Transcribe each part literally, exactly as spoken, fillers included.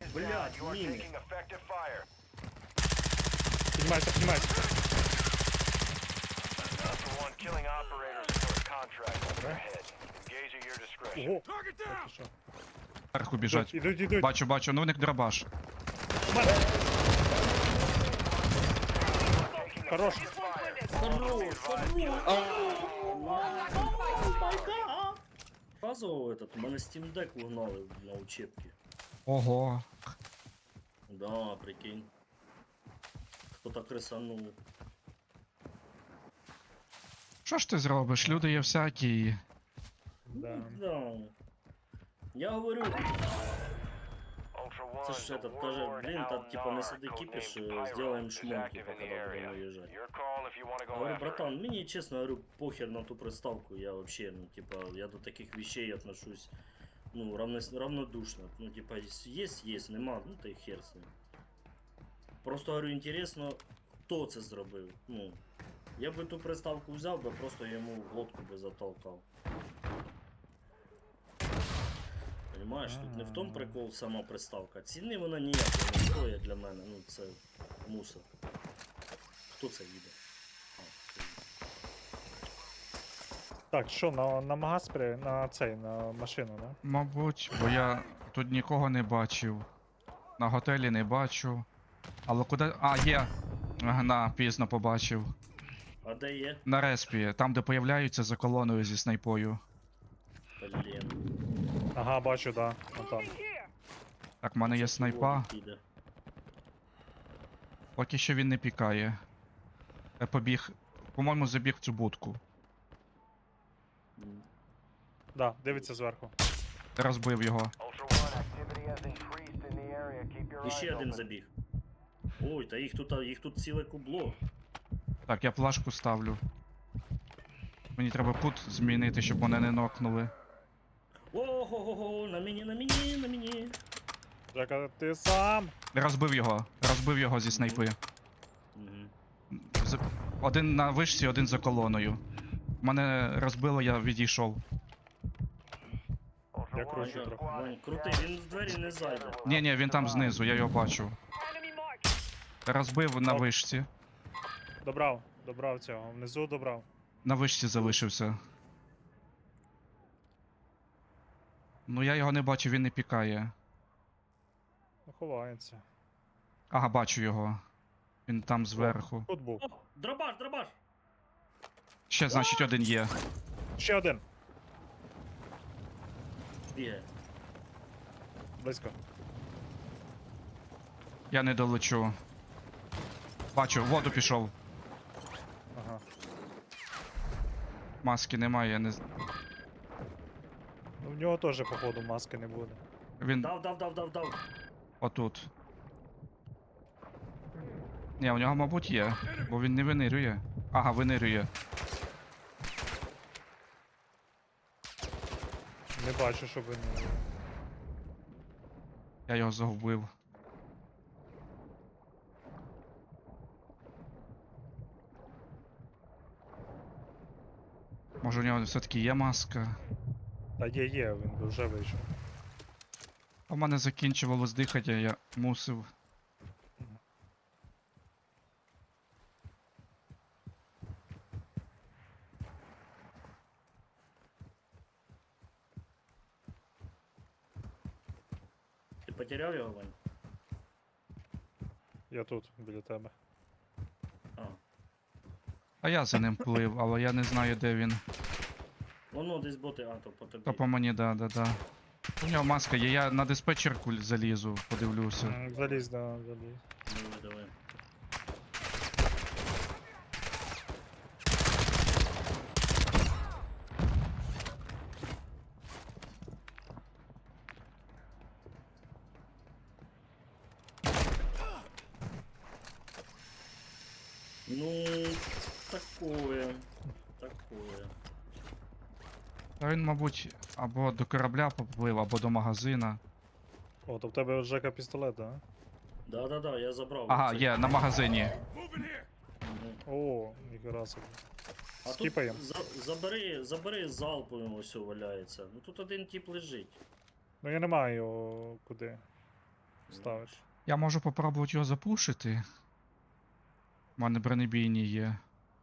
Блядь, міни. Піднімайся, піднімайся. Ого. Так, і що? Зверху біжать. Ідуть, ідуть. Бачу, бачу, ну у них дробаш. У мене. Хорош. Хорош, хорош. Разово этот, у мене Steam Deck угнали на учебки. Ого. Да, прикинь. Хто так рисанув. Що ж ти зробиш? Люди є всякі. Да. Да. Я говорю, це ж этот, каже, блін, та типа не сиди кипиш, сделаем шмон, типа, когда будем уезжать. Говорю, братан, мне честно говорю, похер на ту приставку, я вообще, ну, типа, я до таких вещей отношусь, ну, равно, равнодушно. Ну, типа, есть, есть, нема, ну, та й хер з ним. Просто, говорю, интересно, хто це зробив, ну. Я би ту приставку взяв би, просто йому в глотку би затолкав. Понимаєш, тут не в тому прикол сама приставка. Ціни вона ніякої не стоїть для мене, ну це мусор. Хто це їде? А, хто їде. Так, що, на, на магаз при... на цей, на машину, да? Мабуть, бо я тут нікого не бачив. На готелі не бачу. Але куди. А, є! На, пізно побачив. А де є? На респі, там де появляються за колоною зі снайпою. Блін. Ага, бачу, да. Вон там. Так, в мене є снайпа. Піде. Поки що він не пікає. Я побіг. По-моєму, забіг в цю будку. М. Да, дивиться зверху. Розбив його. І ще один забіг. Ой, та їх тут, їх тут ціле кубло. Так, я плашку ставлю. Мені треба кут змінити, щоб мене не нокнули. Ого-го-го, на мені, на мені, на мені. Жека, ти сам! Розбив його. Розбив його зі снайпи. Мгм. З- Один на вишці, один за колоною. Мене розбило, я відійшов. Я кручу Вань, трохи. Вань, крутий, він в двері не зайде. Ні, ні, він там знизу, я його бачу. Розбив на Ок. вишці. Добрав, добрав цього. Внизу добрав. На вишці залишився. Ну я його не бачу, він не пікає. Ну, ховається. Ага, бачу його. Він там зверху. Тут був. О, дробаш, дробаш! Ще, значить, один є. Ще один. Бігає. Близько. Я не долечу. Бачу, в воду пішов. Ага. Маски немає, я не. з- Ну в нього теж, походу, маски не буде. Він Дав, дав, дав, дав, дав. отут. Ні, у нього, мабуть, є, бо він не винирює. Ага, винирює. Не бачу, щоб він. Я його загубив. Може у нього все-таки є маска? Та є, є, він би вже вийшов. А в мене закінчувалось дихання, я мусив. Ти потеряв його, Вань? Я тут, біля тебе. А. А я за ним плив, але я не знаю, де він. Воно десь боти, а, то по тобі. То по мені, да, да, да. У нього маска є, я на диспетчерку залізу, подивлюся. М, Залізь, да, залізь. Давай, давай. Ну, такое, такое. Та він, мабуть, або до корабля поплив, або до магазина. О, то в тебе Жека пістолет, да? Да-да-да, я забрав. Ага, Це- є, на магазині. Мгм. О, ніхера собі. А тут Скіпаєм. за, забери, забери залповим ось валяється. Ну тут один тип лежить. Ну я не маю його куди. ставити. Я можу попробувати його запушити. У мене бронебійні є.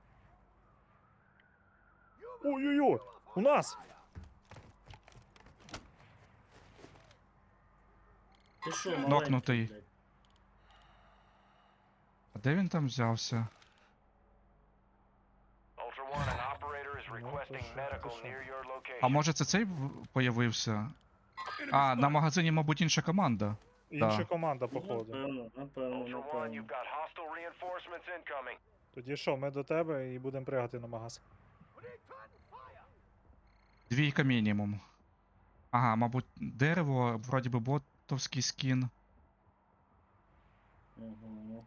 Ой-ой-ой! У нас! Ти що, маленький, Нокнутий. блядь? А де він там взявся? Ultra One, an operator is Ну, requesting то що, medical то що. near your location. А може це цей в- появився? А, на магазині, мабуть, інша команда. Інша Да. команда, походу. Напевно, напевно, Ultra One, напевно. you've got hostile reinforcements incoming. Тоді що, ми до тебе і будемо пригати на магаз. Двійка мінімум. Ага, мабуть, дерево, вроді би ботовський скін. Угу.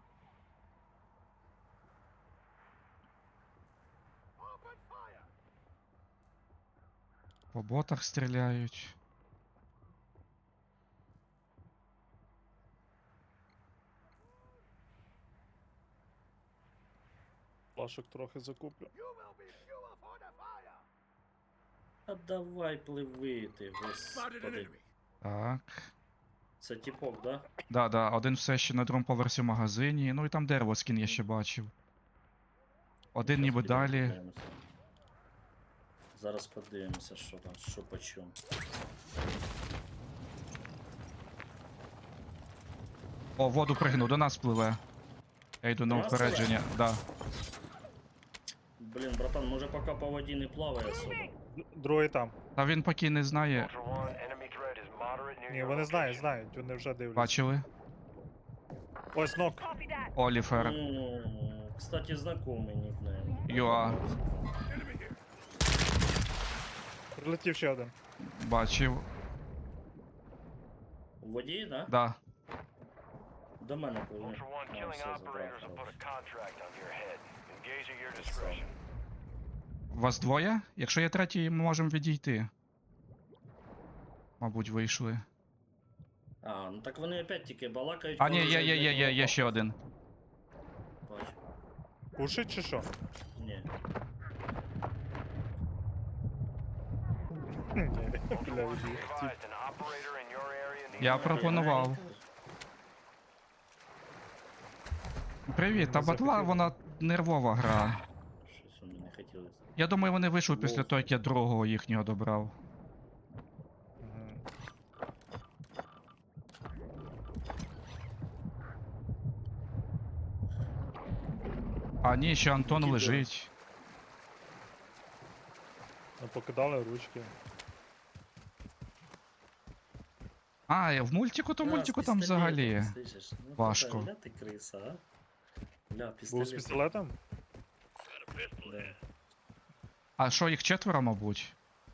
По ботах стріляють. Плашок трохи закуплю. А давай пливи ти, господи. Так. Це тіпок, да? Да, да, один все ще на другому поверсі в магазині. Ну і там дерево скін я ще бачив. Один Щас ніби підемо далі. подивимося. Зараз подивимося, що там, що по чому. О, в воду пригнув, до нас пливе. Я йду на До нас упередження, да. Блін, братан, може поки по воді не плаває особо. Д- Другий там. Та він поки не знає. Ultra One, enemy threat is moderate near Ні, your вони знають, location. знають, вони вже дивляться. Бачили? Ось нок. Оліфер. Ну, кстати, знакомий нікнейм. Юа. Прилетів ще один. Бачив. У воді, да? Да. До мене пливе. Ultra One, А, killing все, забрав, operators will put хорош. a contract on your head. Engage at your discretion. Вас двоє? Якщо є третій, ми можемо відійти. Мабуть, вийшли. А, ну так вони опять тільки балакають. А, коли ні, вже є, є, йде є, є, є коло ще один. Бачу. Пушить чи що? Ні. Ні, Ultra бля, One, be від'їхав. advised, an operator in your area needs Я medical пропонував. Привіт, та Не батла, захотів. вона нервова гра. Щось вони не хотіли. Я думаю, вони вийшли після Вовк. того, як я другого їхнього добрав. Мгм. А ні, ще Антон Які лежить. Ну, покидали ручки. А, в мультику, то А, з мультику там пістолетом, взагалі. слышиш? Ну, важко. така, Ля ти криса, а? Ля, Був з пістолет. пістолетом? Да. А що, їх четверо, мабуть?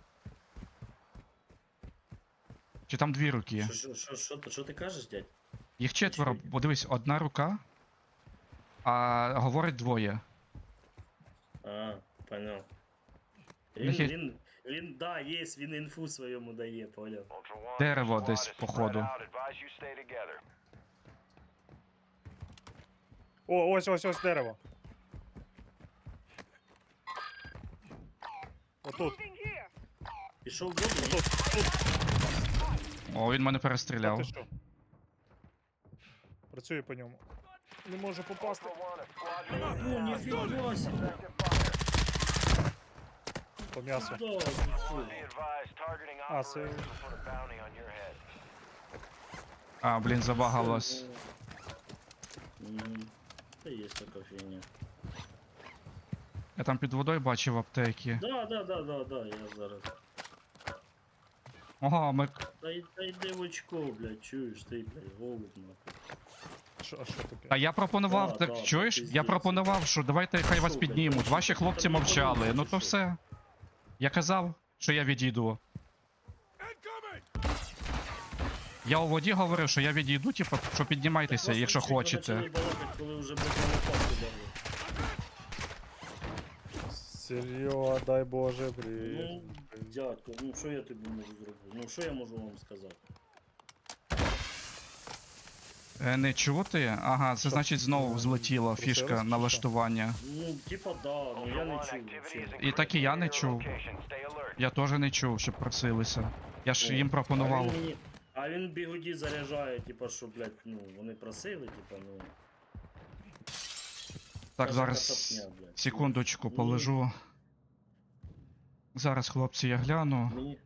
Чи там дві руки? Що, що, що, що, ти- що ти кажеш, дядь? Їх четверо, Що? бо дивись, одна рука, а говорить двоє. А, понял. У Він, них є- він, він, да, є, він інфу своєму дає, понял. Ultra One, Дерево your squad десь, is spread походу. out. Advise you stay together. О, ось, ось, ось дерево. Отут. Пішов в воду? Тут, тут. О, він мене Та ти перестріляв. що? Працює по ньому. Не можу попасти. Ultra One, a squad mate Ну, is ніфіга себе. effective fire. По м'ясу. Да, Be фу. advised, targeting А, це- operators will put a bounty on your head. А, блін, забагалось. Мгм. Та є така фігня. Я там під водою бачив аптеки. Да, да, да, да, да, я зараз. Ого, ми. Та, й- та йди в очко, блядь, чуєш, ти, блядь, голуб, нахуй. Що, а що таке? А я пропонував, Да, так да, чуєш? Я пиздець. пропонував, що давайте хай вас Що, блядь, піднімуть. там Ваші що, хлопці там не мовчали. подобається, Ну чи то що? все. Я казав, що я відійду. Я у воді говорив, що я відійду, типу, що піднімайтеся, Вас якщо лучше хочете. почали балакати, коли вже, блядь, на лопатку дали. Серйо, дай Боже, привіт. Ну, дядько, ну що я тобі можу зробити? Ну що я можу вам сказати? Е, не чути? Ага, це Що, значить знову е, злетіла просились, фішка чи налаштування. Ну, типа, да, ну я Ultra не One, чув. activity is взагалі. І так і я не increasing near your чув. location. Stay alert. Я теж не чув, щоб просилися. Я ж О, їм А пропонував. він мені, а А він бігуді заряджає, типа, що, блядь, ну, вони просили, типа, ну. Так, каже, зараз кацапня, блядь. секундочку Ні. полежу. Зараз, хлопці, я гляну. Мені.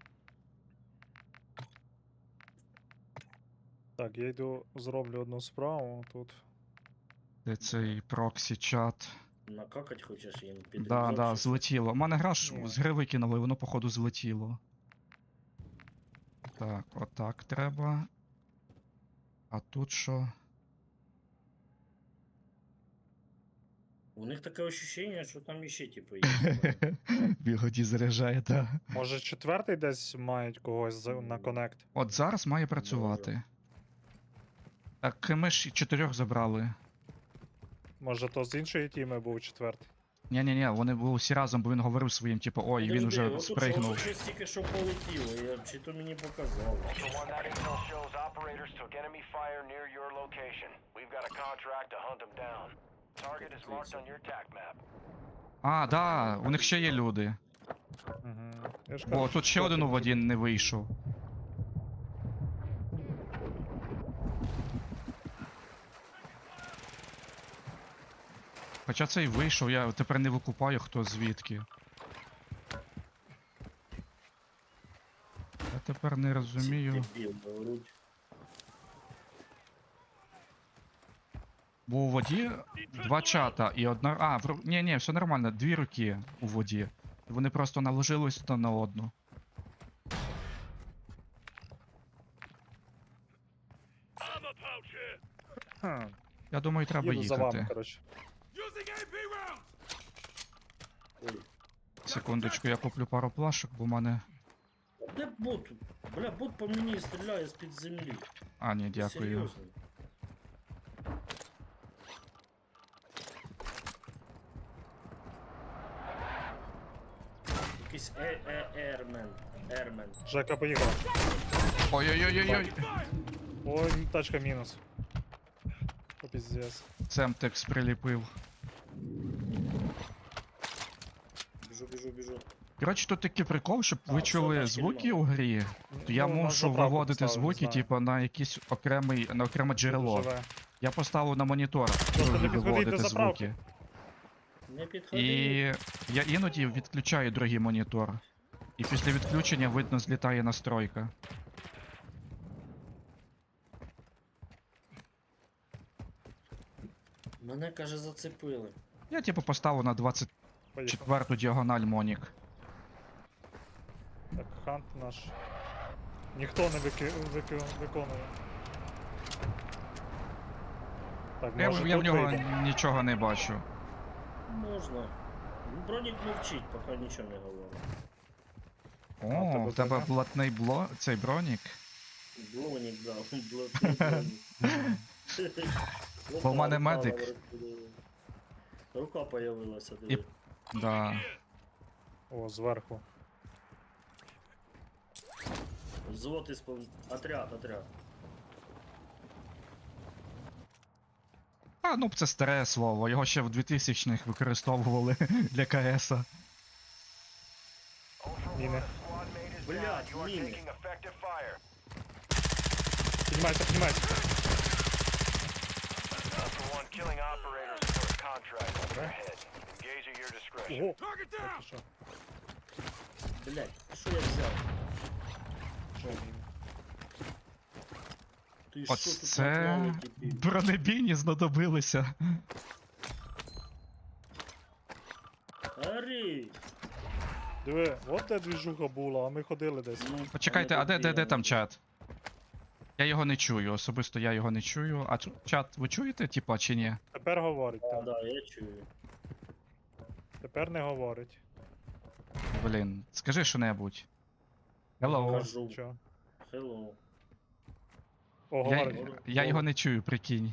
Так, я йду зроблю одну справу тут. Де цей проксі чат. Накакать хочеш їм під Да, рюкзак да, чи що? злетіло. У мене гра ж Ні. з гри викинули, воно походу злетіло. Так, отак треба. А тут що? У них таке ощущення, що там іще, типу, є. Бігоді заряджає, так. Може четвертий десь мають когось за- на коннект? От зараз має працювати. Так, ми ж чотирьох забрали. Може то з іншої тіми був четвертий? Ні-ні-ні, вони були всі разом, бо він говорив своїм, типу, ой, він вже спригнув. Щось тільки що полетіло, я, чи то мені показало. Ultra One, that intel shows operators took enemy fire near your location. We've got a contract to hunt them down. Target is marked on your tac map. А, да, у них ще є люди. Угу. Я ж Бо кажу, тут ще четвертий один у був. воді не вийшов. Хоча цей вийшов, я тепер не викупаю, хто звідки. Я тепер не розумію. Ці дебіл, говоруть. Бо у воді два чата і одна. А, в... ру- ні, ні, все нормально, дві руки у воді. Вони просто наложились одна на одну. Хм. Я думаю, треба Їду за вами, їхати. коротше. Ой. Секундочку, я куплю пару плашок, бо в мене. Де бот? Бля, бот по мені стріляє з-під землі. А, ні, дякую. Серйозно. Якийсь е е ермен. Ермен. Жека, поїхав. Ой-ой-ой-ой-ой. Ой, тачка мінус. О, піздец. Семтекс приліпив. Біжу, біжу, біжу. Коротше, тут такий прикол, щоб ви А, чули все, тачки звуки нема. у грі, то я Ну, на мушу заправку виводити поставив, не звуки, знаю. типу, на якийсь окремий, на окреме джерело. Живе. Я поставив на монітор, не щоб підходіть до виводити заправки. звуки. Не підходи. І я іноді відключаю другий монітор. І після відключення видно злітає настройка. Мене, каже, зацепили. Я типу поставив на двадцять четверту Поїхав. діагональ Монік. Так, хант наш. Ніхто не вики... вики... виконує. Так, Я, може я в тут нього вийде? нічого не бачу. Можна. Ну, Бронік мовчить, поки нічого не говорить. О, тебе в тебе броня? блатний бло... цей бронік. Блонік, да, блатний бронік. Бо в мене Опа, медик. рука розподілила. Рука появилася, І- диви. Да. О, зверху. Взвод із пов- Отряд, отряд. А, ну це старе слово, його ще в двохтисячних використовували для КСа. Ultra One, Міни. a squad mate is Блядь, down. You are міни. taking effective fire. Піднімайся, піднімайся. Ultra One, killing operators for a contract on your head. Engage at your discretion. Ого. Так, і що? Блять, що я взяв? Що він? Ти що От тут це наклали, типі? бронебійні знадобилися. Ари! Диви, от де двіжуха була, а ми ходили десь. Ну, Почекайте, а де, де, де там чат? Я його не чую, особисто я його не чую. А чу- чат, ви чуєте, типа, чи ні? Тепер говорить, А, так. да, я чую. Тепер не говорить. Блін, скажи що-небудь. Hello. Кажу. Що? Hello. О, Я, говорить. я його не чую, прикинь.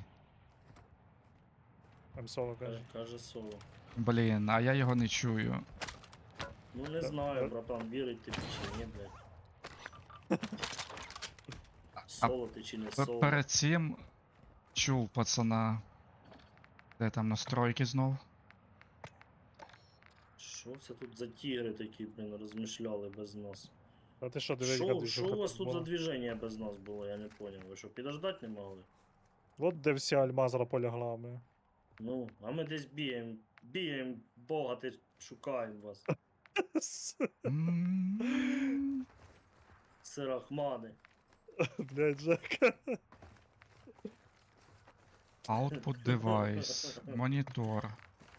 М-соло каже. Каже, каже соло. Блін, а я його не чую. Ну не Та- знаю, та- братан, вірить ти чи ні, блядь. Соло ти чи не П- соло. Перед цим чув пацана. Де там настройки знов? Що це тут за тігри такі, блін, розмишляли без нас? А ти що, дивись, Що, гадиш, що у вас тут за движення без нас було, я не поняв. Ви що, підождать не могли? От де вся Альмазра полягла, ми. Ну, а ми десь бігаємо, бігаємо, Бога, ти шукаємо вас. М, Сирахмани. Блядь, Жек. Output device. Монітор.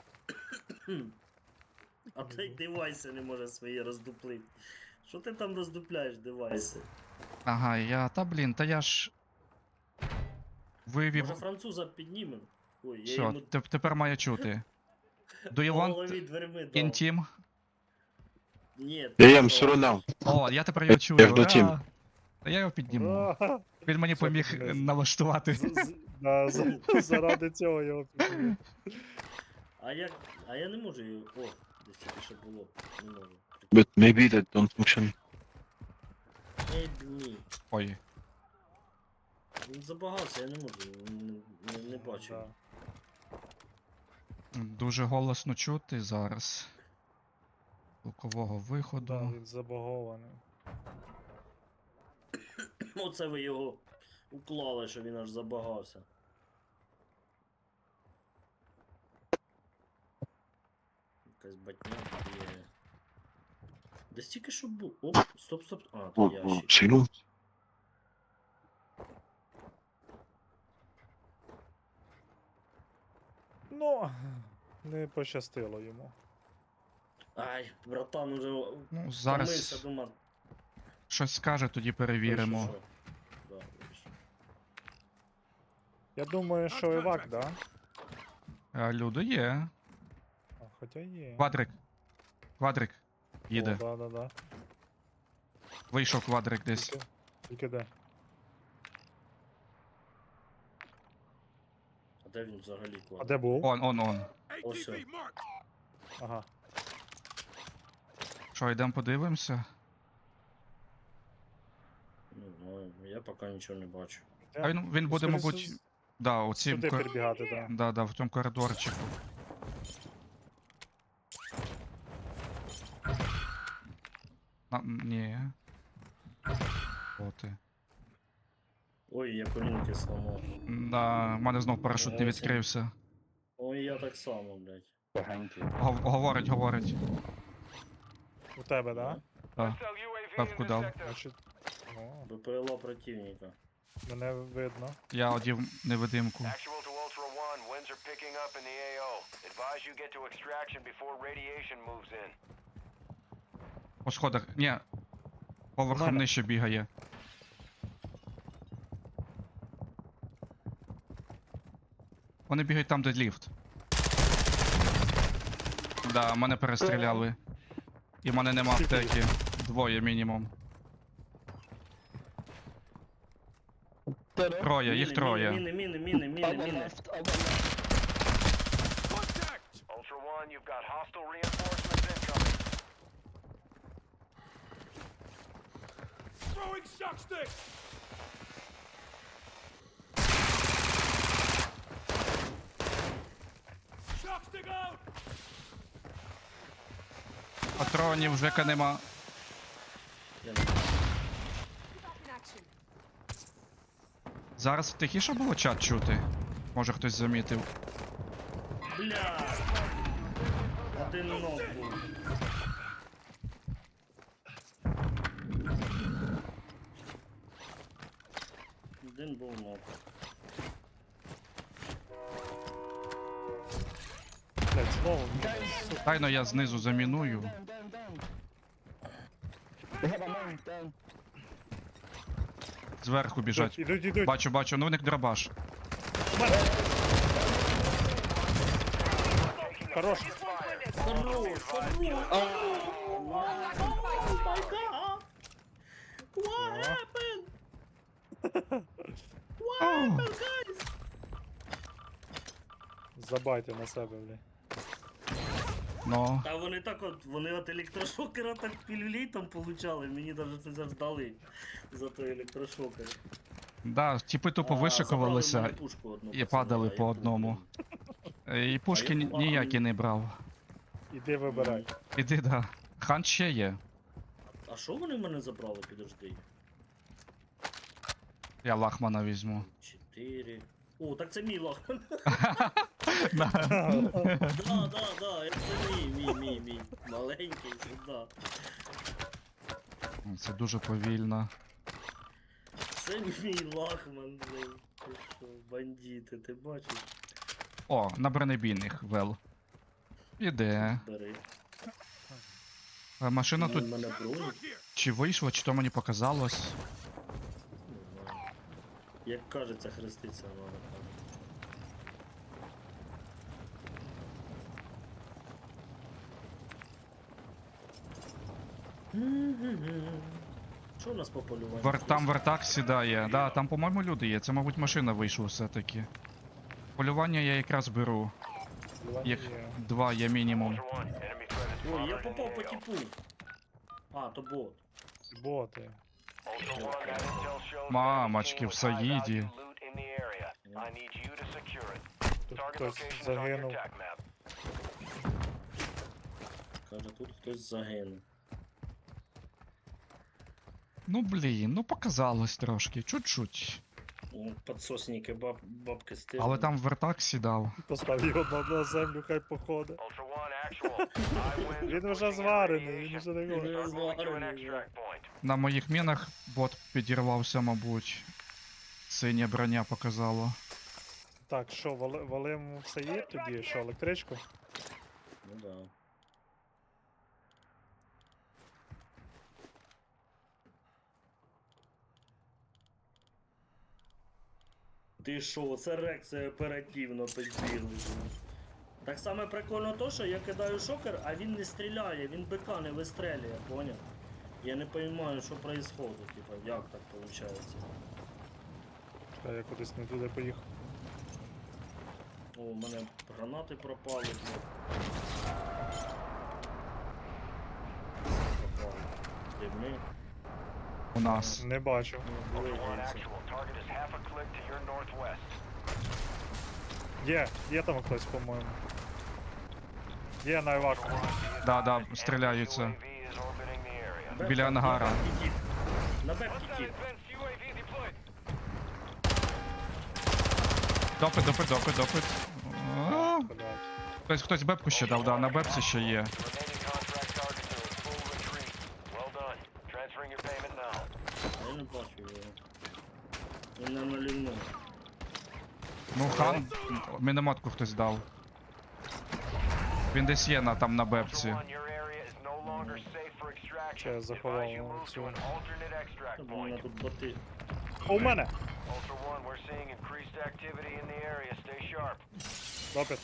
А той девайси не може свої роздуплити. Що ти там роздупляєш, девайси? Ага, я. Та блін, та я ж. Вивів. Може француза піднімем? Ой, я Все, йому теп- тепер має чути. Do you по want голові дверми дав. intim? Ні, Я ти їм що? сурунав. О, я тепер його чую. Я в доті. Ура! Та я його підніму. Ура! Він мені Все, поміг піднес. налаштувати. З- з- да, за- Заради цього його підняли. А як. А я не можу її. О, десь тільки що було. Не можу. But maybe that don't function. Ей, ні. Ой. Він забагався, я не можу. Не, не, не бачу. Да. Дуже голосно чути зараз. Звукового Да, виходу. він забагований. Оце ви його уклали, що він аж забагався. Якась батня є. Десь тільки що був. Оп, стоп, стоп. А, О, то о, ящик. сину. Ну, не пощастило йому. Ай, братан уже Ну, втомився, зараз думав. щось скаже, тоді ой, перевіримо. що, що. Да, вийшло. Я думаю, що Івак, да? А, люди є. А, хоча є. Квадрик. Квадрик. Їде. О, да, да, да. Вийшов квадрик десь. Тільки, тільки де? А де він взагалі А кладе? де був? Он, он, он. Ось. о. Ага. Що, йдемо подивимося? Не знаю, я поки нічого не бачу. А він, він буде, Скоріше мабуть. з- Да, у цім Сюди кор... перебігати, да. Да, да, в цьому коридорчику. На, ні. О ти. Ой, я колінки сломав. Да, в мене знов парашут не відкрився. Ой, я так само, блядь. Гов- Говорить, говорить. У тебе, да? Да. Пепку дав. Значить, о, БПЛА противника. мене видно. Я одів невидимку. Actual to Ultra One, winds are picking up in the A O. Advise you get to extraction before radiation moves in. По сходах. Ні. Поверхом Нормально. нижче бігає. Вони бігають там, де ліфт. Да, мене перестріляли. І в мене нема Скільки аптеки. Двоє мінімум. Троє, їх Міни, троє. Міни, міни, міни, міни, міни. Ultra One, you've got hostile reinforcements incoming. Throwing shock stick! Shock stick out! Патронів Жека нема. Я не- Зараз тихіше було чат чути. Може хтось замітив. Бля! Один ног був. Один був ног. Блять, знову. Сука. Тайно я знизу заміную. Зверху біжать. Ідуть, ідуть. Бачу, бачу, ну в них дробаш. Хорош. Хорош, хорош! What happened? О, Забайте на себе, блядь. ну. Та вони так от, вони от електрошокера так пілюлей получали, мені навіть це завждали за той електрошокер. Да, типи тупо А, забрали в вишикувалися мене пушку одну, і пацани, падали а по я одному. куплю. Е, І пушки А я ні- поганий. ніякі не брав. Іди вибирай. Іди, да. Хан ще є. А що вони в мене забрали, підожди? Я лахмана візьму. Чотири. О, так це мій лахман. Да. Да, да, да, це мій, мій, мій, мій. Маленький, да. Це дуже повільно. Це мій лахман, блин. Ти що, бандити, ти бачиш? О, на бронебійних вел. Іде. Бери. Е, Машина Ну, тут в мене броні. чи вийшла, чи то мені показалось. Не знаю. Як кажеться, хреститься надо. Що у нас по полюванню? Вер, там вертак сідає. Да, там, по-моєму, люди є. Це, мабуть, машина вийшла все-таки. Полювання я якраз беру. Їх Є. два є мінімум. Ultra One, enemy threat is Ой, я spotted in попав the по A O. типу. А, то бот. Боти. Ultra One, that intel shows Мамочки, enemy в team with high Саїді. value loot in the area. I need you to secure it. Тут Target хтось location is on your загинув. attack map. Каже, тут хтось загинув. Ну блін, ну показалось трошки, чуть-чуть. Ну, Подсосники баб, бабки стили. Але там вертак сідав. Постав його на, на землю, хай походить. Ultra One, actual. I win. Він вже зварений, він вже не Він говорить. вже Start moving to an зварений, да. extract point. На моїх мінах бот підірвався, мабуть. Синя броня показала. Так, що, вали, валим все є тоді? Що, електричку? Ну да. Ти шо, це реакція оперативно підбігли. Так само прикольно то, що я кидаю шокер, а він не стріляє, він бика не вистрелює, поняв? Я не розумію, що відбувається, типа, як так виходить. Чекай, я кудись не туди поїхав. О, у мене гранати пропали. блін. Пропали. Дивни. У нас. Не бачу. Ну, Ultra One, дивіться. actual. Target is half a click to your northwest. Є, є там хтось, по-моєму. Є на еваку. Да, да, Enemy стріляються. U A V is orbiting the area. Бепка, Біля ангара. На бепки тіп. На бепки тіп. Допит, допит, допит, допит. А, Блядь. Хтось, хтось бепку ще дав, да, на бепці ще є. The remaining contract targets are in full retreat. Well done. Transferring your payment now. А я не бачу його. Він не налівнув. Ну, хан, мінометку хтось дав. Він десь є на, там на бепці. Ultra One, your area is no longer safe for extraction. Ще я заховав Advise you move цю. to an alternate extract Та, бо у мене point. тут боти. О, у мене! Ultra One, we're seeing increased activity in the area. Stay sharp. Допит.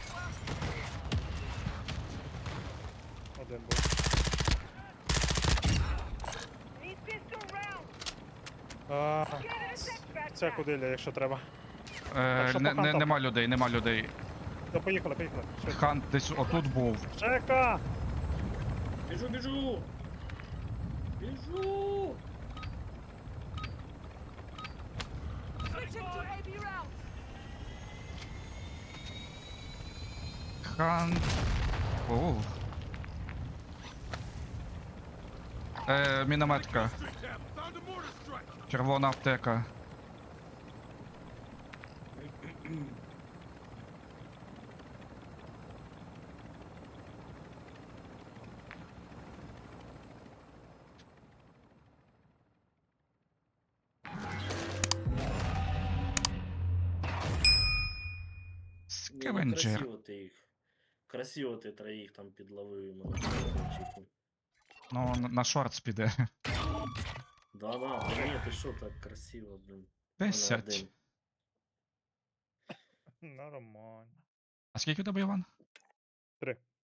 Один був. А, Ця кудиля, якщо треба. Е, що не, по не, хантам? нема людей, нема людей. Та поїхали, поїхали. Швидко. Хан десь отут був. Чека! Біжу, біжу! Біжу! Хан. О. Е, мінометка. Червона аптека. Ні, ну, Скевенджер. красиво ти їх. Красиво ти троїх там підловив і мене чеку. Ну, на, на шортс піде. Да-да, та ні, ти що так красиво, блин. Десять. один. Нормально. А скільки тебе, Іван? Три.